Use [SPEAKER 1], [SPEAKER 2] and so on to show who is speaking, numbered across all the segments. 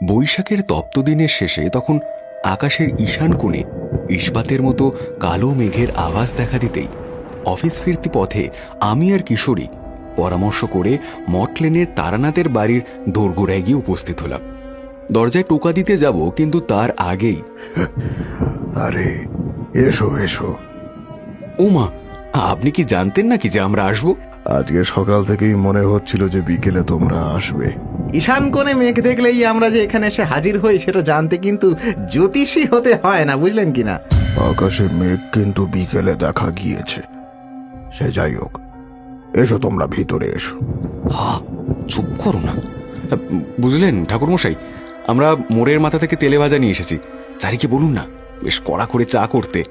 [SPEAKER 1] বৈশাখের তপ্ত দিনের শেষে তখন আকাশের ঈশান কোণে ইস্পাতের মতো কালো মেঘের আভাস দেখা দিতেই অফিস ফিরতি পথে আমি আর কিশোরী পরামর্শ করে মটলেনের তারানাথের বাড়ির দোরগোড়ায় গিয়ে উপস্থিত হলাম। দরজায় টোকা দিতে যাব, কিন্তু তার আগেই
[SPEAKER 2] আরে এসো এসো।
[SPEAKER 1] ও মা, আপনি কি জানতেন নাকি যে আমরা আসবো?
[SPEAKER 2] আজকে সকাল থেকেই মনে হচ্ছিল যে বিকেলে তোমরা আসবে।
[SPEAKER 3] ঈশান কোণে মেঘ দেখলেই আমরা যে এখানে এসে হাজির হই সেটা জানতে কিন্তু জ্যোতিষী হতে হয় না, বুঝলেন কিনা?
[SPEAKER 2] আকাশে মেঘ কিন্তু বিকেলে দেখা গিয়েছে। সে যাই হোক, এসো তোমরা ভিতরে এসো।
[SPEAKER 1] হা, চুপ করো না। বুঝলেন ঠাকুরমশাই, আমরা মোড়ের মাথা থেকে তেলে ভাজা নিয়ে এসেছি। চারিকে বলুন না বেশ কড়া করে চা করতে।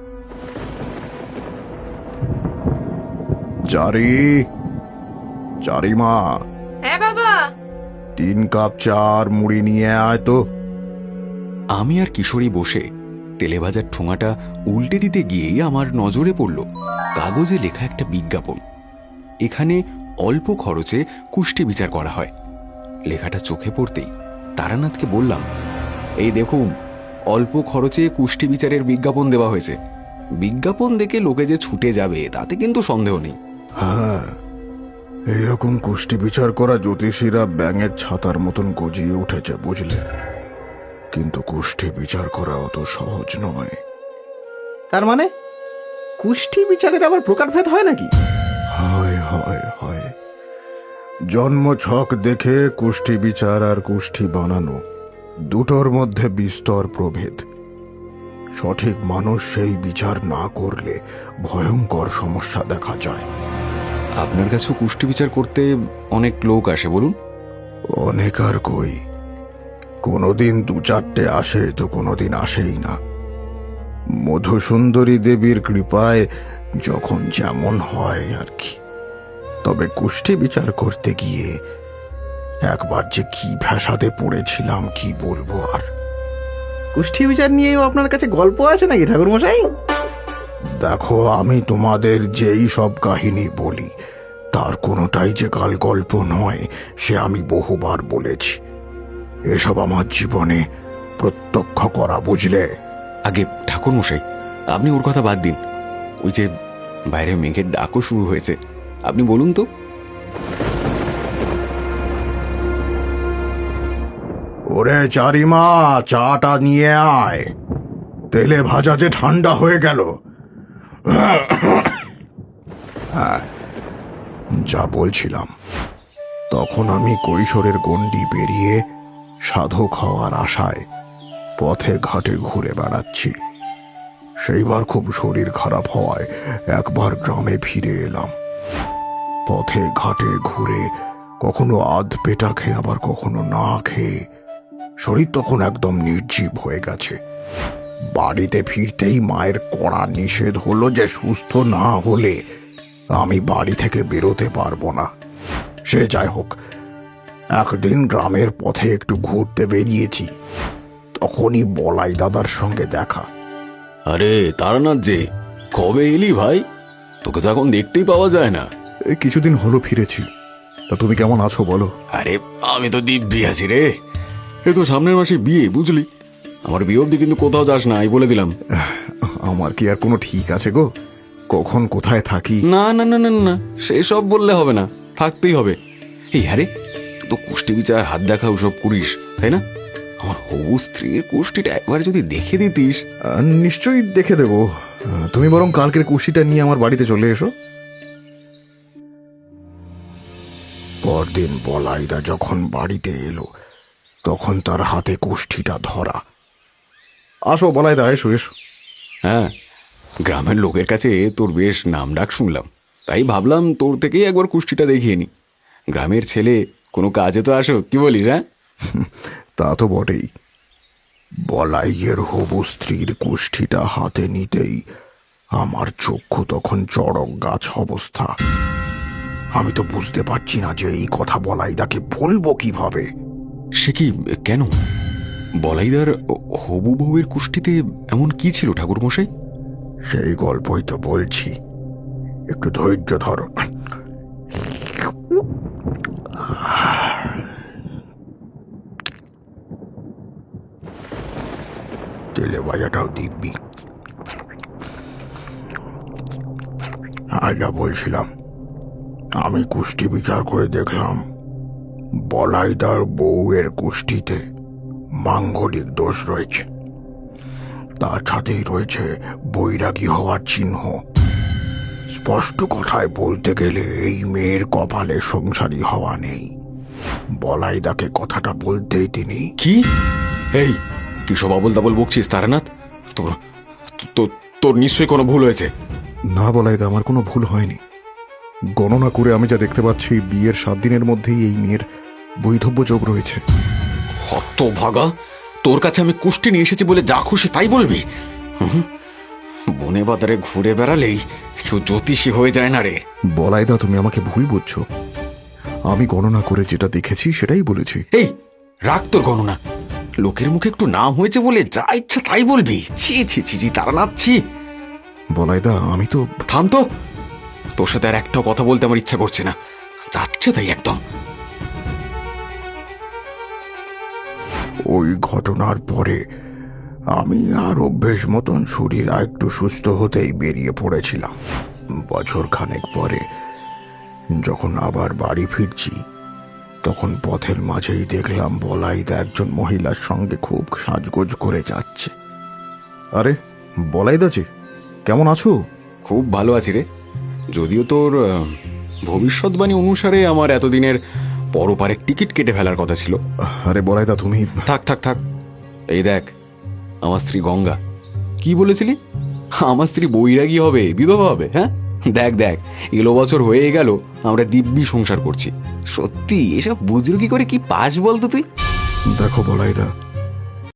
[SPEAKER 2] চারি, চারিমা,
[SPEAKER 4] হ্যাঁ বাবা।
[SPEAKER 2] 3 কাপ চা আর মুড়ি নিয়ে আয় তো।
[SPEAKER 1] আমি আর কিশোরী বসে তেলে ভাজার ঠোঙাটা উল্টে দিতে গিয়েই আমার নজরে পড়ল কাগজে লেখা একটা বিজ্ঞাপন। এখানে অল্প খরচে কুষ্টি বিচার করা হয়। লেখাটা চোখে পড়তেই তারানাথকে বললাম, এই দেখুন, অল্প খরচে কুষ্টি বিচারের বিজ্ঞাপন দেওয়া হয়েছে। বিজ্ঞাপন দেখে লোকে যে ছুটে যাবে তাতে কিন্তু সন্দেহ নেই।
[SPEAKER 2] হ্যাঁ, এইরকম কুষ্টি বিচার করা জ্যোতিষীরা ব্যাঙের ছাতার মতন গজিয়ে উঠেছে, বুঝলে? কিন্তু কুষ্টি বিচার করা অত সহজ নয়।
[SPEAKER 3] তার মানে কুষ্টি বিচারের আবার প্রকারভেদ হয় নাকি?
[SPEAKER 2] হয় হয় হয়। জন্ম ছক দেখে কুষ্টি বিচার আর কুষ্টি বানানো দুটোর মধ্যে বিস্তর প্রভেদ। সঠিক মানুষ সেই বিচার না করলে ভয়ঙ্কর সমস্যা দেখা যায়।
[SPEAKER 1] আপনার কাছেও কুষ্টি বিচার করতে অনেক লোক আসে, বলুন?
[SPEAKER 2] অনেক আর কই, কোনোদিন 2-4টে আসে তো কোনোদিন আসেই না। মধুসুন্দরী দেবীর কৃপায় যখন যেমন হয় আর কি। তবে কুষ্টি বিচার করতে গিয়ে একবার যে কি ফ্যাসাদে পড়েছিলাম কি বলবো আর।
[SPEAKER 3] কুষ্টি বিচার নিয়েও আপনার কাছে গল্প আছে নাকি ঠাকুরমশাই?
[SPEAKER 2] দেখো, আমি তোমাদের যেই সব কাহিনী বলি তার কোনোটাই যে কাল গল্প নয় সে আমি বহুবার বলেছি। এসব আমার জীবনে প্রত্যক্ষ করা, বুঝলে?
[SPEAKER 1] আগে ঠাকুরমশাই, আপনি ওর কথা বাদ দিন। ওই যে বাইরে মেঘের ডাকও শুরু হয়েছে, আপনি বলুন তো।
[SPEAKER 2] ওরে চারিমা, চাটা নিয়ে আয়। তেলে ভাজা যে ঠান্ডা হয়ে গেল। হ্যাঁ, যা বলছিলাম, তখন আমি কৈশোরের গণ্ডি পেরিয়ে সাধক হওয়ার আশায় পথে ঘাটে ঘুরে বেড়াচ্ছি। সেইবার খুব শরীর খারাপ হওয়ায় একবার গ্রামে ফিরে এলাম। পথে ঘাটে ঘুরে কখনো আধ পেটা খেয়ে আবার কখনো না খেয়ে শরীর তখন একদম নির্জীব হয়ে গেছে। বাড়িতে ফিরতেই মায়ের কড়া নিষেধ হলো যে সুস্থ না হলে আমি বাড়ি থেকে বেরোতে পারবো না। সে যাই হোক, একদিন গ্রামের পথে একটু ঘুরতে বেরিয়েছি, তখনই বলাই দাদার সঙ্গে দেখা।
[SPEAKER 1] আরে তারানাথ যে, কবে এলি ভাই? তোকে তো এখন দেখতেই পাওয়া যায় না।
[SPEAKER 2] এই কিছুদিন হলো ফিরেছি। তা তুমি কেমন আছো বলো?
[SPEAKER 1] আরে আমি তো দিব্যি আছি রে। এ তো সামনের মাসে বিয়ে, বুঝলি? আমার বিয়ে অব্দি কিন্তু কোথাও যাস না, এই বলে দিলাম।
[SPEAKER 2] আমার কি আর কোনো ঠিক আছে গো? কখন কোথায় থাকি?
[SPEAKER 1] না না না না না, সেসব বললে হবে না, থাকতেই হবে। এই আরে, তুই তো কুষ্টি বিচার হাত দেখা ওসব করিস, তাই না? আমার হবু স্ত্রীর কুষ্টিটা একবার যদি দেখে দিতিস।
[SPEAKER 2] নিশ্চয়ই দেখে দেবো। তুমি বরং কালকের কুশিটা নিয়ে আমার বাড়িতে চলে এসো। পরদিন বলাইদা যখন বাড়িতে এলো তখন তার হাতে কুষ্ঠিটা ধরা। আসো বলাইদা, এসো এসো।
[SPEAKER 1] হ্যাঁ, গ্রামের লোকের কাছে তোর বেশ নাম ডাক শুনলাম, তাই ভাবলাম তোর থেকেই একবার কুষ্টিটা দেখিয়ে নি। গ্রামের ছেলে, কোনো কাজে তো আসো, কি বলিস? হ্যাঁ,
[SPEAKER 2] তা তো বটেই। বলাইয়ের হবু স্ত্রীর কুষ্ঠিটা হাতে নিতেই আমার চক্ষু তখন চড়ক গাছ অবস্থা। আমি তো বুঝতে পারছি না যে এই কথা বলাইদাকে বলবো কিভাবে।
[SPEAKER 1] সে কি, কেন? বলাইদার হবু বউয়ের কুষ্টিতে এমন কি ছিল ঠাকুরমশাই?
[SPEAKER 2] সেই গল্পই তো বলছি, একটু ধৈর্য ধরো। তেলে ভাজাটাও দিব্যি। যা বলছিলাম, আমি কুষ্টি বিচার করে দেখলাম বলাইদার বউয়ের কুষ্টিতে মাঙ্গলিক দোষ রয়েছে, তার সাথেই রয়েছে বৈরাগী হওয়ার চিহ্ন। স্পষ্ট কথায় বলতে গেলে এই মেয়ের কপালে সংসারী হওয়া নেই। বলাইদাকে কথাটা বলতেই তিনি
[SPEAKER 1] কি এই কি সব আবল দাবল বকছিস তারানাথ? তোর তোর নিশ্চয়ই কোনো ভুল হয়েছে।
[SPEAKER 2] না বলাইদা, আমার কোনো ভুল হয়নি। গণনা করে আমি যা দেখতে পাচ্ছি, বিয়ের 7 দিনের মধ্যেই এই মেয়ের বৈধব্য যোগ রয়েছে।
[SPEAKER 1] হতভাগা, তোর কাছে আমি কুষ্টি নিয়ে এসেছি বলে যা খুশি তাই বলবি? বনে বাজারে ঘুরে বেড়ালেই কেউ জ্যোতিষী হয়ে যায় না রে।
[SPEAKER 2] বলাইদা, তুমি আমাকে ভুল বুঝছো। আমি গণনা করে যেটা দেখেছি সেটাই বলেছি।
[SPEAKER 1] এই রাখ তোর গণনা। লোকের মুখে একটু নাম হয়েছে বলে যা ইচ্ছা তাই বলবি? ছি ছি ছি ছি তারানাথ, ছি।
[SPEAKER 2] বলাইদা, আমি তো
[SPEAKER 1] থাম তো, তোর সাথে আর একটাও কথা বলতে আমার ইচ্ছা করছে না, যাচ্ছে তাই একদম।
[SPEAKER 2] ওই ঘটনার পরে আমি আর অভ্যেস মতন শরীর আর একটু সুস্থ হতেই বেরিয়ে পড়েছিলাম। বছর খানেক পরে যখন আবার বাড়ি ফিরছি, তখন পথের মাঝেই দেখলাম বলাইদা একজন মহিলার সঙ্গে খুব সাজগোজ করে যাচ্ছে। আরে বলাইদা যে, কেমন আছো?
[SPEAKER 1] খুব ভালো আছি রে, যদিও তোর ভবিষ্যৎবাণী অনুসারে আমার এতদিনের পরপারের টিকিট কেটে ফেলার কথা ছিল।
[SPEAKER 2] আরে বলাইদা, তুমি
[SPEAKER 1] থাক থাক থাক, এই দেখ আমার স্ত্রী গঙ্গা। কি বলেছিলি? আমার স্ত্রী বৈরাগী হবে, বিধবা হবে? হ্যাঁ দেখ দেখ, এলো বছর হয়ে গেল আমরা দিব্যি সংসার করছি। সত্যি এসব বুজরুকি করে কি পাস বলতো তুই?
[SPEAKER 2] দেখো বলাইদা,